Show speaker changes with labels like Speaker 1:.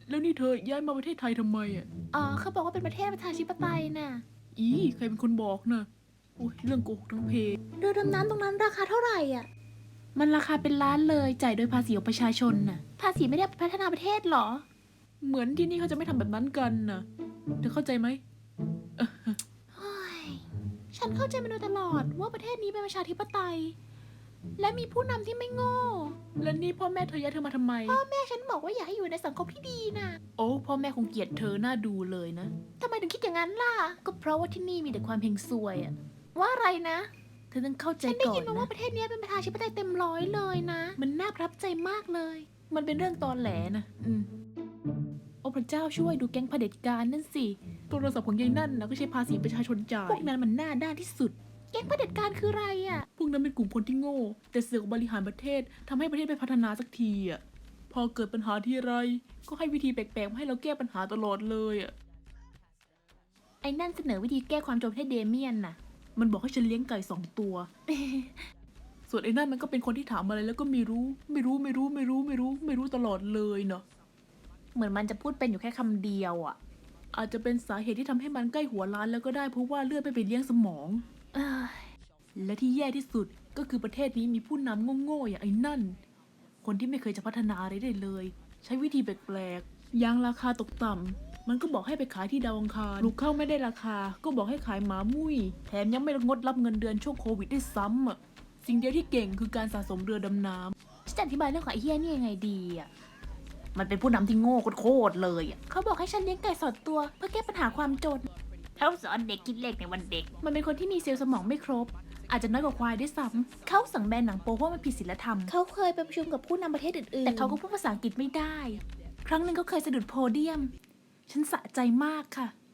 Speaker 1: แล้วนี่เธอย้ายมาประเทศไทยทำไมอ่ะ
Speaker 2: อ๋อเขาบอกว่าเป็นประเทศประชาธิปไตยน่ะ
Speaker 1: อีใครเป็นคนบอกนะโอ้ยเรื่องโกหกทั้งเพ
Speaker 2: เรือดำน้ำตรงนั้นราคาเท่าไหร่อ่ะ มันราคาเป็นล้านเลยจ่ายโดยภาษีของประชาชนน่ะ ภาษีไม่ได้พัฒนาประเทศหรอ
Speaker 1: เหมือนที่นี่เขาจะไม่ทำแบบนั้นกันนะเธอเข้าใจไหม
Speaker 2: เฮ้ยฉันเข้าใจมาโดยตลอดว่าประเทศนี้เป็นประชาธิปไตย และมีผู้นำที่ไม่โง่
Speaker 1: แล้วนี่พ่อแม่เธอย้ายเธอมาทำไม
Speaker 2: พ่อแม่ฉันบอกว่าอยากให้อยู่ในสังคมที่ดีนะ
Speaker 1: โอ้พ่อแม่คงเกลียดเธอหน้าดูเลยนะ
Speaker 2: ทำไมถึงคิดอย่างนั้นล่ะ ก็เพราะว่าที่นี่มีแต่ความเฮงซวยอะว่าอะไรนะ
Speaker 1: เธอต้องเข้าใจ
Speaker 2: ฉันได้
Speaker 1: ก่อ
Speaker 2: ยิ
Speaker 1: น
Speaker 2: นมาว่า
Speaker 1: นะ
Speaker 2: ประเทศนี้เป็นประชาธิปไตยเต็มร้อยเลยนะ มันน่าประทับใจมากเลย
Speaker 1: มันเป็นเรื่องตอแหลนะโอ้พระเจ้าช่วยดูแก๊งเผด็จการนั่นสิโทรศัพท์ของยายนั่นนะก็ใช้ภาษีประชาชนจ่าย
Speaker 2: พวกนั้นมันหน้าด้านที่สุด แก๊งเผด็จการคืออะไรอะ
Speaker 1: พวกนั้นเป็นกลุ่มคนที่โง่ แต่เสือกบริหารประเทศทำให้ประเทศไม่พัฒนาสักทีอ่ะพอเกิดปัญหาที่ไรก็ให้วิธีแปลกๆมาให้เราแก้ปัญหาตลอดเลยอ่ะ
Speaker 2: ไอ้นั่นเสนอวิธีแก้ความจนให้เดเมียนน่ะ
Speaker 1: มันบอกให้ฉันเลี้ยงไก่2 ตัว ส่วนไอ้นั่นมันก็เป็นคนที่ถามอะไรแล้วก็ไม่รู้ตลอดเลยเนาะ
Speaker 2: เหมือนมันจะพูดเป็นอยู่แค่คำเดียวอะ
Speaker 1: อาจจะเป็นสาเหตุที่ทำให้มันใกล้หัวล้านแล้วก็ได้เพราะว่าเลือดไม่ไปเลี้ยงสมอง
Speaker 2: เอ้ย
Speaker 1: และที่แย่ที่สุดก็คือประเทศนี้มีผู้นำโง่ๆอย่างไอ้นั่น คนที่ไม่เคยจะพัฒนาอะไรได้เลย ใช้วิธีแปลกๆยางราคาตกต่ำมันก็บอกให้ไปขายที่ดาวอังคารลูกเข้าไม่ได้ราคา ก็บอกให้ขายหมามุ้ยแถมยังไม่งดรับเงินเดือนช่วงโควิดได้วยซ้ำอ่ะสิ่งเดียวที่เก่งคือการสะสมเรือดำน้ำ
Speaker 2: ฉันจะอธิบายเรื่องของไอ้เฮียนี่ยังไงดีอะ
Speaker 1: มันเป็นผู้นำที่โง่โคตรเลยอ่ะ
Speaker 2: เขาบอกให้ฉันเลี้ยงไก่2 ตัวเพื่อแก้ปัญหาความจน
Speaker 3: เขาสอนเด็กคิดเลขในวันเด็ก
Speaker 2: มันเป็นคนที่มีเซลล์สมองไม่ครบ อาจจะน้อยกว่าควายด้วยซ้ำเขาสั่งแบนหนังโป๊เพราะมันผิดศีลธรรม เขาเคยไปประชุมกับผู้นำประเทศอื่นๆ แต่เขาก็พูดภาษาอังกฤษไม่ได้ ครั้งหนึ่งเขาเคยสะดุดโพเดียม ฉันสะใจมากค่ะ